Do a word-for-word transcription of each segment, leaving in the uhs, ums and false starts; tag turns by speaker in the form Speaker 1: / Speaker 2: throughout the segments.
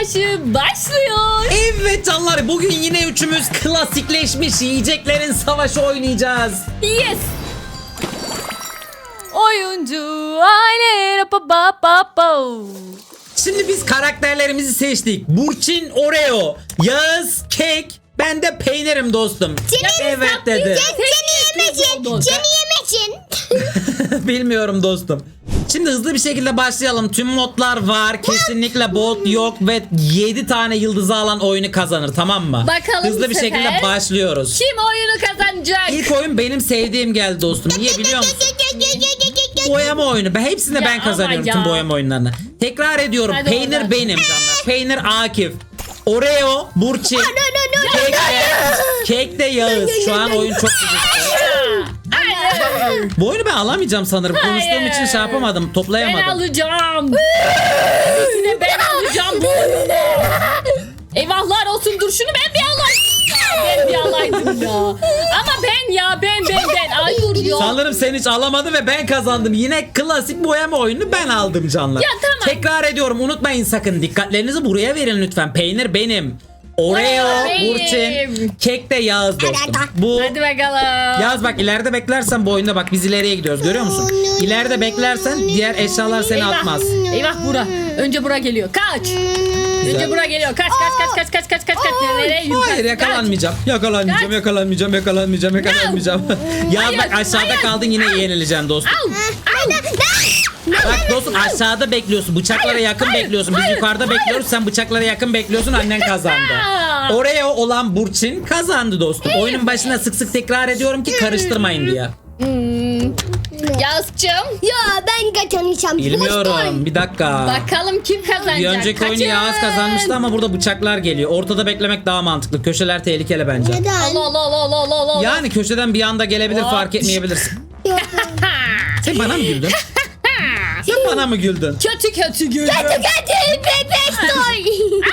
Speaker 1: savaşı başlıyor.
Speaker 2: Evet canlar, bugün yine üçümüz klasikleşmiş yiyeceklerin savaşı oynayacağız.
Speaker 1: Yes. Oyuncu aile pa pa pa pa.
Speaker 2: Şimdi biz karakterlerimizi seçtik. Burçin Oreo, Yağız Kek, ben de peynirim dostum.
Speaker 3: Seni
Speaker 2: Evet dedi.
Speaker 3: Seni yemecin. Seni yemecin.
Speaker 2: Bilmiyorum dostum. Şimdi hızlı bir şekilde başlayalım. Tüm modlar var. Kesinlikle bot yok ve yedi tane yıldızı alan oyunu kazanır, tamam mı?
Speaker 1: Bakalım
Speaker 2: hızlı
Speaker 1: bu
Speaker 2: bir
Speaker 1: sefer
Speaker 2: şekilde başlıyoruz.
Speaker 1: Kim oyunu kazanacak?
Speaker 2: İlk oyun benim sevdiğim geldi dostum. Niye biliyor musun? Boyama oyunu. Ben hepsinde
Speaker 1: Ya
Speaker 2: ben kazanıyorum
Speaker 1: ama
Speaker 2: tüm
Speaker 1: ya.
Speaker 2: boyama oyunlarını. Tekrar ediyorum.
Speaker 1: Hadi
Speaker 2: Peynir
Speaker 1: oradan.
Speaker 2: benim canlar. Peynir Akif. Oreo, Burçin. Kek de, kek de Yağız. Şu an oyun çok güzel.
Speaker 1: Hayır.
Speaker 2: Bu oyunu ben alamayacağım sanırım. Konuştuğum
Speaker 1: Hayır.
Speaker 2: için şey yapamadım.
Speaker 1: Ben
Speaker 2: Toplayamadım.
Speaker 1: alacağım. Yine ben alacağım bu oyunu. Eyvahlar olsun, dur şunu ben bir alayım. Ya, ben bir alaydım ya. Ama ben ya ben ben ben. Ay dur ya.
Speaker 2: Sanırım sen hiç alamadın ve ben kazandım. Yine klasik boyama oyununu ben aldım canlar.
Speaker 1: Ya tamam.
Speaker 2: Tekrar ediyorum, unutmayın sakın. Dikkatlerinizi buraya verin lütfen. Peynir benim. Oreo,
Speaker 1: Oreo benim.
Speaker 2: Burçin, kek de Yağız dostum. Bu
Speaker 1: Hadi bakalım.
Speaker 2: Yağız bak, ileride beklersen bu oyunda bak biz ileriye gidiyoruz, görüyor musun? İleride beklersen diğer eşyalar seni
Speaker 1: Eyvah.
Speaker 2: atmaz.
Speaker 1: Eyvah bura. Önce bura geliyor. Kaç. Önce bura geliyor. Kaç kaç kaç kaç kaç kaç kaç kaç. Nereye yürü?
Speaker 2: Hayır, yakalanmayacağım. Yakalanmayacağım,
Speaker 1: Kaç.
Speaker 2: yakalanmayacağım, yakalanmayacağım, yakalanmayacağım. Yağız
Speaker 1: Hayır,
Speaker 2: bak, aşağıda
Speaker 1: hayır.
Speaker 2: kaldın, yine yenileceksin dostum.
Speaker 1: Au. Au.
Speaker 2: Bak dostum, aşağıda bekliyorsun. Bıçaklara
Speaker 1: Hayır,
Speaker 2: yakın
Speaker 1: hayır,
Speaker 2: bekliyorsun. Biz
Speaker 1: hayır,
Speaker 2: yukarıda
Speaker 1: hayır.
Speaker 2: bekliyoruz. Sen bıçaklara yakın bekliyorsun. Annen kazandı.
Speaker 1: Aa.
Speaker 2: Oreo olan Burçin kazandı dostum. Oyunun başına sık sık tekrar ediyorum ki karıştırmayın diye.
Speaker 1: Hmm. Yazcığım.
Speaker 3: Ya ben kazanacağım.
Speaker 2: Bilmiyorum. Bir dakika.
Speaker 1: Bakalım kim kazanacak.
Speaker 2: Bir önceki oyunu
Speaker 1: Kaçın.
Speaker 2: Yağız kazanmıştı ama burada bıçaklar geliyor. Ortada beklemek daha mantıklı. Köşeler tehlikeli bence.
Speaker 3: Neden?
Speaker 1: Allah Allah Allah Allah Allah Allah.
Speaker 2: Yani köşeden bir anda gelebilir,
Speaker 1: Aa.
Speaker 2: fark etmeyebilirsin.
Speaker 1: Ha.
Speaker 2: Sen bana mı güldün? Sen bana mı güldün?
Speaker 1: Kötü kötü gülüyor.
Speaker 3: Hadi bebek toy.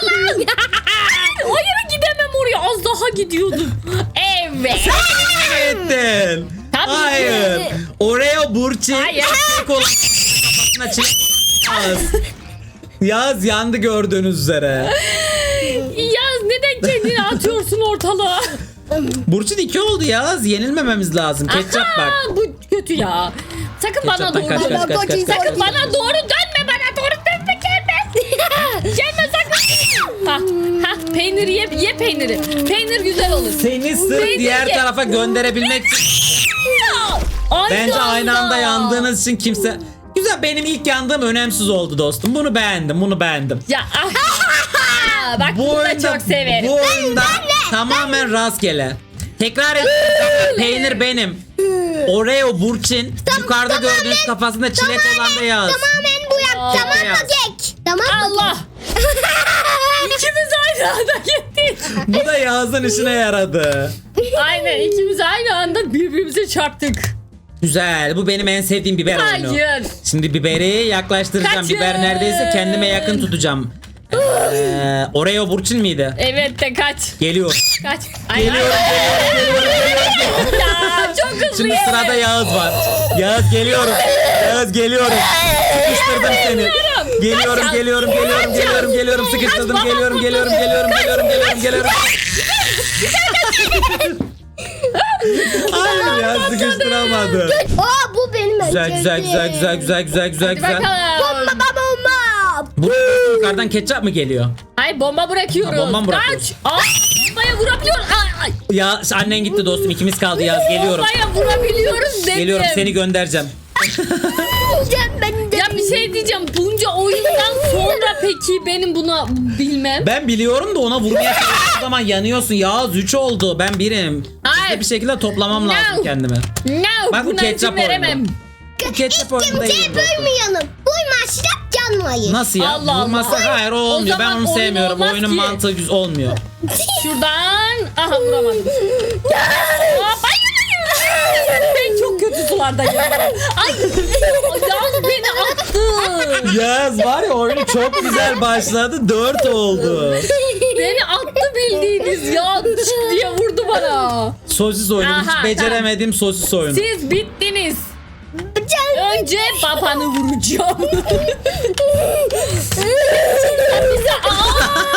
Speaker 1: Hayır, gidemem oraya. Az daha gidiyordum. Evet.
Speaker 2: Ettin.
Speaker 1: Tabii ki.
Speaker 2: Hayır. Oreo Burçin.
Speaker 1: Hayır.
Speaker 2: Tek olan kafasına çift- Yağız. Yağız yandı gördüğünüz üzere.
Speaker 1: Yaz, neden kendini atıyorsun ortalığa?
Speaker 2: Burçin iki oldu Yağız. Yenilmememiz lazım. Ketçap bak.
Speaker 1: Aa, bu kötü ya. Sakın bana
Speaker 2: Ketçaptan
Speaker 1: doğru
Speaker 2: kaç, kaç,
Speaker 1: dönme.
Speaker 2: kaç, kaç, kaç,
Speaker 1: Sakın
Speaker 2: kaç.
Speaker 1: bana doğru dönme. Bana doğru dönme. Gelme. Gelme sakın. Ha, ha, peynir ye, ye peyniri. Peynir güzel olur.
Speaker 2: Seni sırf
Speaker 1: Peynir
Speaker 2: diğer
Speaker 1: ye.
Speaker 2: tarafa gönderebilmek için.
Speaker 1: Aynı
Speaker 2: Bence aynı anda
Speaker 1: anda.
Speaker 2: yandığınız için kimse... Güzel, benim ilk yandığım önemsiz oldu dostum. Bunu beğendim, bunu beğendim.
Speaker 1: Ya ah. Bak
Speaker 2: Bu
Speaker 1: bunu da
Speaker 2: oyunda,
Speaker 1: çok severim.
Speaker 2: bu oyunda tamamen rastgele. Tekrar ediyorum. Peynir benim. Oreo Burçin. Yukarıda gördüğünüz kafasında çilek olan da Yağız.
Speaker 3: Tamamen bu yap.
Speaker 1: Aa.
Speaker 3: Tamam mı
Speaker 2: Beyaz.
Speaker 3: kek? Tamam mı
Speaker 1: Allah. İkimiz aynı anda gittik.
Speaker 2: Bu da Yağız'ın işine yaradı.
Speaker 1: Aynen, ikimiz aynı anda birbirimize çarptık.
Speaker 2: Güzel. Bu benim en sevdiğim biber oyunu.
Speaker 1: Hayır.
Speaker 2: Şimdi biberi yaklaştıracağım.
Speaker 1: Kaçın.
Speaker 2: Biber neredeyse kendime yakın tutacağım. Ee, Oreo Burçin miydi?
Speaker 1: Evet de kaç.
Speaker 2: Geliyor.
Speaker 1: Kaç. Ay,
Speaker 2: Geliyorum,
Speaker 1: ay,
Speaker 2: geliyorum, geliyorum, geliyorum.
Speaker 1: ya çok hızlı.
Speaker 2: Şimdi
Speaker 1: yemin.
Speaker 2: sırada Yağız var. Yağız geliyorum. Yağız geliyorum. Sıkıştırdım seni. Geliyorum,
Speaker 1: Kaç.
Speaker 2: geliyorum, geliyorum, geliyorum, geliyorum. Sıkıştırdım.
Speaker 1: Kaç,
Speaker 2: Geliyorum,
Speaker 1: baba,
Speaker 2: geliyorum,
Speaker 1: kurtuldu.
Speaker 2: geliyorum, geliyorum, geliyorum, geliyorum. Hayır ya, sıkıştıramadım.
Speaker 3: Aa bu benim
Speaker 2: Güzel, güzel, güzel, güzel, güzel, güzel, güzel, güzel.
Speaker 1: Bakalım.
Speaker 3: Bomba bomba.
Speaker 2: Bu yukarıdan ketçap mı geliyor?
Speaker 1: Ay, bomba bırakıyoruz.
Speaker 2: Ha, bomba mı
Speaker 1: Kaç.
Speaker 2: bırakıyorsun?
Speaker 1: Aa, bombaya vurabiliyoruz. Ay, ay.
Speaker 2: Ya annen gitti dostum. İkimiz kaldı Yağız. Geliyorum.
Speaker 1: Bombaya vurabiliyoruz dedim.
Speaker 2: Geliyorum, seni göndereceğim.
Speaker 3: Ben de.
Speaker 1: Ya bir şey diyeceğim. Bunca oyundan sonra peki benim buna bilmem.
Speaker 2: Ben biliyorum da ona vurmaya çalıştığım zaman yanıyorsun. Yağız üç oldu. Ben birim.
Speaker 1: Hayır.
Speaker 2: Hızlı bir şekilde toplamam
Speaker 1: No.
Speaker 2: lazım kendimi.
Speaker 1: No,
Speaker 2: Bak bu
Speaker 1: buna
Speaker 2: ketçap
Speaker 1: izin veremem.
Speaker 2: oyunu. Bu ketçap oyunu
Speaker 3: Kimseye
Speaker 2: değil dostum.
Speaker 3: bölmeyelim. Buymazsak canmayın.
Speaker 2: Nasıl ya?
Speaker 1: Allah Allah.
Speaker 2: Vurmazsa hayır, o olmuyor.
Speaker 1: O
Speaker 2: Ben
Speaker 1: zaman
Speaker 2: onu
Speaker 1: oyun
Speaker 2: sevmiyorum.
Speaker 1: olmaz
Speaker 2: Oyunun
Speaker 1: ki.
Speaker 2: mantığı güzel olmuyor.
Speaker 1: Şuradan. Aha, vuramadım. Aa, hayır, hayır. Ben çok kötü sulardayım. Ay, Yağız beni attı.
Speaker 2: Yağız var ya, oyunu çok güzel başladı. Dört oldu.
Speaker 1: Beni attı bildiğiniz ya. Çık diye vurdu bana.
Speaker 2: Sosis oyunu.
Speaker 1: Aha,
Speaker 2: Hiç beceremediğim sosis oyunu.
Speaker 1: Siz bittiniz. Önce babanı vuracağım. Bize, aa!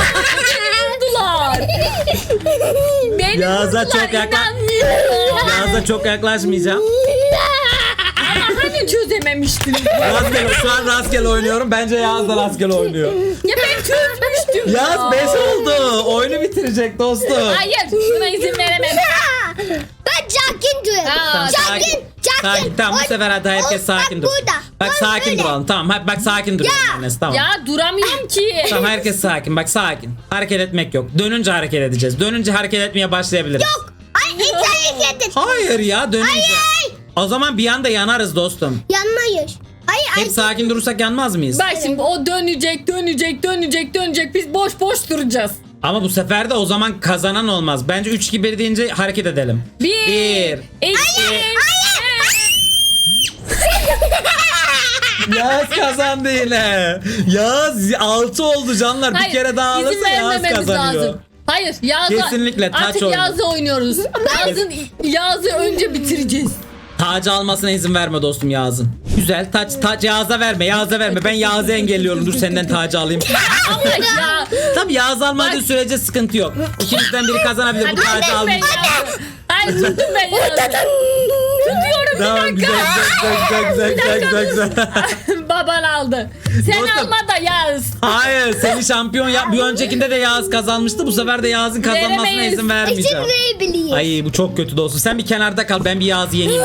Speaker 2: Yağız'a çok yakla
Speaker 1: İnanmıyorum.
Speaker 2: Yağız'a çok yaklaşmayacağım.
Speaker 1: Ama hani çözememiştiniz?
Speaker 2: Rastgele, şu an rastgele oynuyorum. Bence Yağız da rastgele oynuyor.
Speaker 1: Ya ben çözmüştüm. ya.
Speaker 2: Yağız beş oldu. Oyunu bitirecek dostum.
Speaker 1: Hayır buna izin veremem.
Speaker 3: Ben sakin duruyorum.
Speaker 1: Aa,
Speaker 3: Sakin. Sakin.
Speaker 2: Sakin. Tamam bu
Speaker 3: Oy,
Speaker 2: sefer hadi herkes
Speaker 3: oy,
Speaker 2: sakin dur.
Speaker 3: bak burada.
Speaker 2: Bak
Speaker 3: Bak
Speaker 2: sakin
Speaker 3: böyle.
Speaker 2: duralım. Tamam hadi bak sakin duruyorum annesi tamam.
Speaker 1: Ya duramıyorum ki.
Speaker 2: Tamam herkes sakin. Bak sakin. Hareket etmek yok. Dönünce hareket edeceğiz. Dönünce hareket etmeye başlayabiliriz.
Speaker 3: Yok. Ay hiç hareket et.
Speaker 2: Hayır ya dönünce.
Speaker 3: Hayır.
Speaker 2: O zaman bir anda yanarız dostum.
Speaker 3: Yanmayız. Hayır.
Speaker 2: Hep
Speaker 3: Hep
Speaker 2: sakin durursak yanmaz mıyız?
Speaker 1: Bak şimdi o dönecek dönecek dönecek dönecek biz boş boş duracağız.
Speaker 2: Ama bu sefer de o zaman kazanan olmaz. Bence üç iki bir deyince hareket edelim.
Speaker 1: Bir,
Speaker 2: Bir.
Speaker 1: iki,
Speaker 2: Yağız kazandı yine. Yağız altı oldu canlar. Bir
Speaker 1: Hayır,
Speaker 2: kere daha
Speaker 1: izin
Speaker 2: alırsa Yağız
Speaker 1: vermememiz
Speaker 2: kazanıyor.
Speaker 1: lazım. Hayır Yağız'a
Speaker 2: Kesinlikle taç
Speaker 1: artık
Speaker 2: oyunu.
Speaker 1: Yağız'ı oynuyoruz. Yağız'ın Yağız'ı önce bitireceğiz.
Speaker 2: Tacı almasına izin verme dostum Yağız'ın. Güzel taç taç Yağız'a verme Yağız'a verme. Ben Yağız'ı engelliyorum. Dur senden tacı alayım.
Speaker 1: Ama ya.
Speaker 2: Tabii Yağız almadığı
Speaker 1: Bak.
Speaker 2: sürece sıkıntı yok. İkinizden biri kazanabilir. Bu
Speaker 1: Hadi
Speaker 2: tacı
Speaker 1: ben
Speaker 2: almayacak.
Speaker 1: Yağız'ı. Hayır tuttum ben Yağız'ı. Tutuyorum
Speaker 2: Tamam
Speaker 1: bir
Speaker 2: güzel
Speaker 1: dakika.
Speaker 2: güzel güzel güzel güzel güzel.
Speaker 1: Baban aldı. Sen
Speaker 2: Dostum.
Speaker 1: alma da Yağız.
Speaker 2: Hayır seni şampiyon yap. Bir öncekinde de Yağız kazanmıştı. Bu sefer de Yağız'ın kazanmasına
Speaker 1: Veremeyiz.
Speaker 2: izin
Speaker 3: izin
Speaker 2: vermeyeceğim.
Speaker 3: verebiliriz.
Speaker 2: Ay bu çok kötü dostum. Sen bir kenarda kal. Ben bir Yağız'ı yeneyim.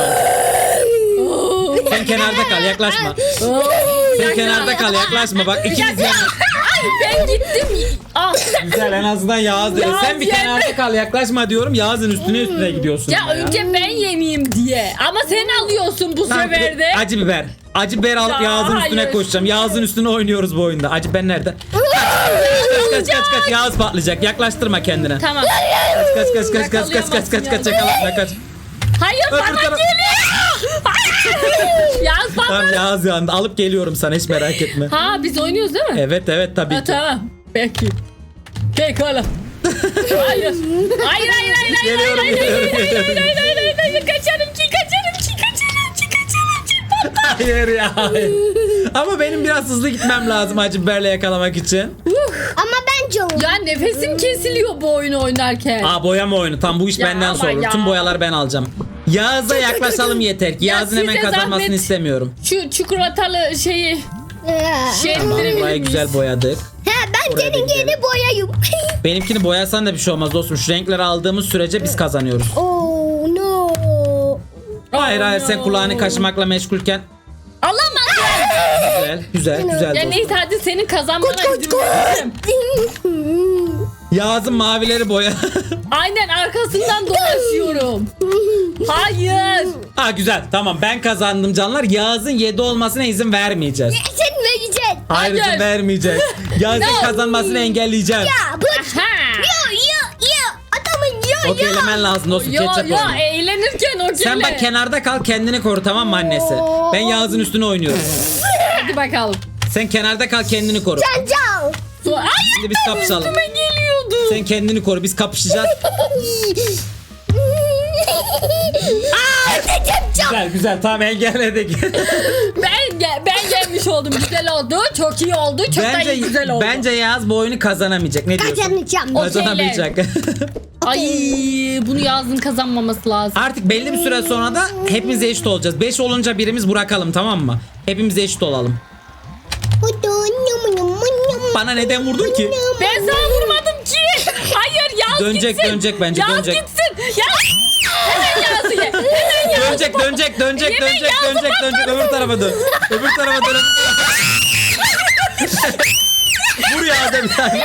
Speaker 2: Abi. Sen kenarda kal yaklaşma. Sen kenarda kal yaklaşma. Bak ikiniz yan.
Speaker 1: Ay ben gittim. Ah.
Speaker 2: Güzel en azından Yağız dedi.
Speaker 1: Yağız
Speaker 2: Sen bir
Speaker 1: yendi.
Speaker 2: kenarda kal yaklaşma diyorum. Yağız'ın üstüne üstüne gidiyorsun.
Speaker 1: Ya
Speaker 2: yine
Speaker 1: önce ben yeneyim diye. Ama sen alıyorsun bu
Speaker 2: Tamam,
Speaker 1: sefer de.
Speaker 2: Acı biber. Acı biber alıp
Speaker 1: Ya,
Speaker 2: Yağız'ın üstüne
Speaker 1: hayır.
Speaker 2: koşacağım. Yağız'ın üstüne oynuyoruz bu oyunda. Acı biber nerede? Kaç kaç kaç kaç Yağız patlayacak. Yaklaştırma kendine.
Speaker 1: Tamam.
Speaker 2: Kaç kaç kaç kaç kaç kaç kaç kaç yakalatma kaç.
Speaker 1: Hayır
Speaker 2: Öbür
Speaker 1: bana
Speaker 2: taraf-
Speaker 1: geliyor. Yağız bana.
Speaker 2: Tamam Yağız yandı. Alıp geliyorum sana hiç merak etme.
Speaker 1: Ha biz oynuyoruz değil mi?
Speaker 2: Evet evet tabii
Speaker 1: Ha,
Speaker 2: ki.
Speaker 1: tamam. Peki. Pekala. Hayır. Hayır hayır hayır hayır
Speaker 2: Geliyorum,
Speaker 1: hayır hayır
Speaker 2: geliyorum,
Speaker 1: hayır hayır
Speaker 2: geliyorum.
Speaker 1: hayır hayır hayır hayır kaçarım ki kaçarım ki kaçarım ki kaçarım ki patlar.
Speaker 2: Hayır ya. Hayır. Ama benim biraz hızlı gitmem lazım acı biberle yakalamak için.
Speaker 3: Ama ben canım.
Speaker 1: Ya nefesim kesiliyor bu oyunu oynarken.
Speaker 2: Aa boyama oyunu. Tam bu iş
Speaker 1: Ya
Speaker 2: benden
Speaker 1: ama
Speaker 2: sonra.
Speaker 1: ya.
Speaker 2: Tüm boyaları ben alacağım. Yağız'a yaklaşalım yeter ki.
Speaker 1: Ya
Speaker 2: Yağız'ın hemen
Speaker 1: size
Speaker 2: kazanmasını
Speaker 1: zahmet.
Speaker 2: istemiyorum.
Speaker 1: Şu çikolatalı şeyi şey
Speaker 2: Tamam
Speaker 1: ettirebilir
Speaker 2: burayı
Speaker 1: miyiz?
Speaker 2: güzel boyadık.
Speaker 3: He ben
Speaker 2: Oraya da
Speaker 3: senin
Speaker 2: gidelim.
Speaker 3: yeni boyayım.
Speaker 2: Benimkini boyasan da bir şey olmaz dostum. Şu renkleri aldığımız sürece biz kazanıyoruz.
Speaker 3: Oh no.
Speaker 2: Hayır hayır sen
Speaker 1: no.
Speaker 2: kulağını kaşımakla meşgulken.
Speaker 1: Alamadım.
Speaker 2: Güzel güzel güzel
Speaker 1: Ya
Speaker 2: dostum.
Speaker 1: neyse hadi senin kazanmana izin veririm.
Speaker 2: Yağız'ın mavileri boya.
Speaker 1: Aynen arkasından dolaşıyorum. Hayır.
Speaker 2: Ha güzel tamam ben kazandım canlar. Yağız'ın yedi olmasına izin vermeyeceğiz.
Speaker 3: Sen vereceksin.
Speaker 2: Hayır izin
Speaker 1: Hayır.
Speaker 2: vermeyeceğiz. Yağız'ın
Speaker 1: No.
Speaker 2: kazanmasını engelleyeceğiz.
Speaker 3: Ya bu.
Speaker 1: Ha.
Speaker 3: Yo yo yo. Adamın yo yo.
Speaker 2: Okeylemen lazım dostum.
Speaker 1: Yo
Speaker 2: Ketçap
Speaker 1: yo
Speaker 2: oyunu.
Speaker 1: eğlenirken o
Speaker 2: Sen bak kenarda kal kendini koru tamam mı annesi? Ben Yağız'ın üstüne oynuyorum.
Speaker 1: Hadi bakalım.
Speaker 2: Sen kenarda kal kendini koru.
Speaker 3: Sen can.
Speaker 1: So Ay
Speaker 2: Şimdi biz kapışalım.
Speaker 1: üstüme geliyordu.
Speaker 2: Sen kendini koru biz kapışacağız.
Speaker 3: Aa, sen can.
Speaker 2: Güzel güzel tamam engelledik.
Speaker 1: Ben ge- ben gelmiş oldum. Güzel oldu. Çok iyi oldu. Çok da
Speaker 2: bence
Speaker 1: iyi güzel oldu.
Speaker 2: bence Yağız bu oyunu kazanamayacak. Ne diyorsun?
Speaker 3: Kazanacağım.
Speaker 1: O-
Speaker 2: Kazanamayacak.
Speaker 1: Ay bunu Yağız'ın kazanmaması lazım.
Speaker 2: Artık belli bir süre sonra da hepimiz eşit olacağız. beş olunca birimiz bırakalım tamam mı? Hepimiz eşit olalım. Bana neden vurdun ki?
Speaker 1: Ben sana vurmadım ki. Hayır Yağız
Speaker 2: Dönecek,
Speaker 1: gitsin.
Speaker 2: dönecek bence,
Speaker 1: Yağız
Speaker 2: dönecek.
Speaker 1: gitsin. Yağız. Hemen Yağız'ı ye. Hemen Yağız'ı.
Speaker 2: Dönecek dönecek dönecek
Speaker 1: Yemin
Speaker 2: dönecek
Speaker 1: Yağız'ı
Speaker 2: dönecek dönecek öbür tarafa dön. Öbür tarafa dön. Vur Yağız'a bir tane.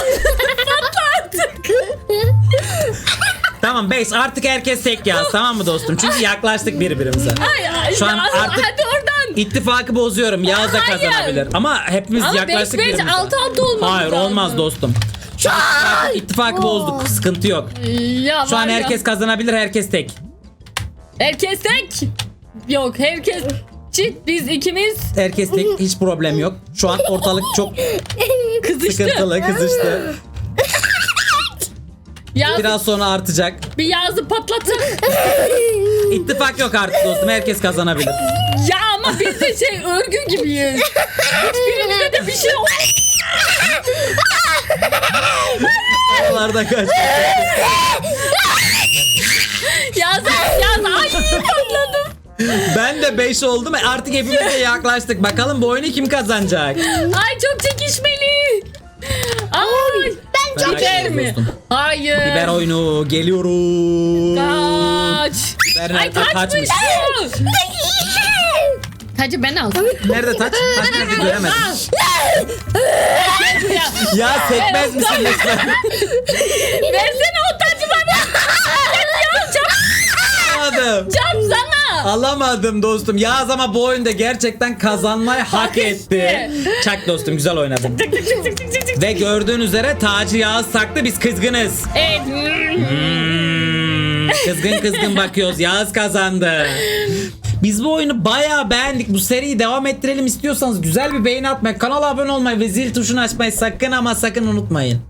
Speaker 2: Tamam beş artık herkes tek Yağız tamam mı dostum? Çünkü yaklaştık birbirimize.
Speaker 1: Ay, ay,
Speaker 2: Şu an
Speaker 1: Yağız,
Speaker 2: artık-
Speaker 1: hadi oradan.
Speaker 2: İttifakı bozuyorum. Yağız da
Speaker 1: Hayır.
Speaker 2: kazanabilir. Ama hepimiz
Speaker 1: Ama
Speaker 2: yaklaştık
Speaker 1: beş beş,
Speaker 2: birbirimize.
Speaker 1: altı altı olmamız
Speaker 2: Hayır
Speaker 1: lazım.
Speaker 2: olmaz dostum. Şu an ittifakı, ittifakı bozduk. Sıkıntı yok.
Speaker 1: Ya
Speaker 2: Şu
Speaker 1: var
Speaker 2: an
Speaker 1: ya.
Speaker 2: herkes kazanabilir. Herkes tek.
Speaker 1: Herkes tek. Yok herkes çift biz ikimiz
Speaker 2: Herkes tek. Hiç problem yok. Şu an ortalık çok
Speaker 1: kızıştı.
Speaker 2: sıkıntılı. Kızıştı.
Speaker 1: Yağız,
Speaker 2: Biraz sonra artacak.
Speaker 1: bir Yağız'ı patlatın.
Speaker 2: İttifak yok artık dostum. Herkes kazanabilir.
Speaker 1: Ya ama biz de şey örgü gibiyiz. Hiçbirimize de bir şey olmaz.
Speaker 2: Oralarda kaç.
Speaker 1: Yaz yaz. Ay patladım.
Speaker 2: Ben de beş oldum. Artık hepimiz de yaklaştık. Bakalım bu oyunu kim kazanacak?
Speaker 1: Ay çok çekişmeli. Ay.
Speaker 3: Ben çok
Speaker 2: Merak
Speaker 1: Biber
Speaker 2: ettim
Speaker 1: mi?
Speaker 2: dostum.
Speaker 1: Hayır.
Speaker 2: Biber oyunu geliyorum.
Speaker 1: Kaç.
Speaker 2: Biber
Speaker 1: Ay
Speaker 2: nerede?
Speaker 1: taçmış.
Speaker 2: Taçmış.
Speaker 1: Tacı ben aldım.
Speaker 2: Nerede taç? Taç nerede göremedim.
Speaker 1: Gel buraya.
Speaker 2: Ya sekmez misin lütfen?
Speaker 1: Versene o tacı bana. Ya çap,
Speaker 2: Alamadım.
Speaker 1: çap sana.
Speaker 2: Alamadım dostum. Yağız ama bu oyunda gerçekten kazanmayı hak,
Speaker 1: Hak
Speaker 2: etti.
Speaker 1: etti.
Speaker 2: Çak dostum, güzel oynadın.
Speaker 1: Tık tık tık tık tık tık tık.
Speaker 2: Ve gördüğün üzere tacı Yağız taktı, biz kızgınız.
Speaker 1: Evet.
Speaker 2: Hmm, kızgın kızgın bakıyoruz. Yağız kazandı. Biz bu oyunu bayağı beğendik. Bu seriyi devam ettirelim istiyorsanız güzel bir beğeni atmayı, kanala abone olmayı ve zil tuşunu açmayı sakın ama sakın unutmayın.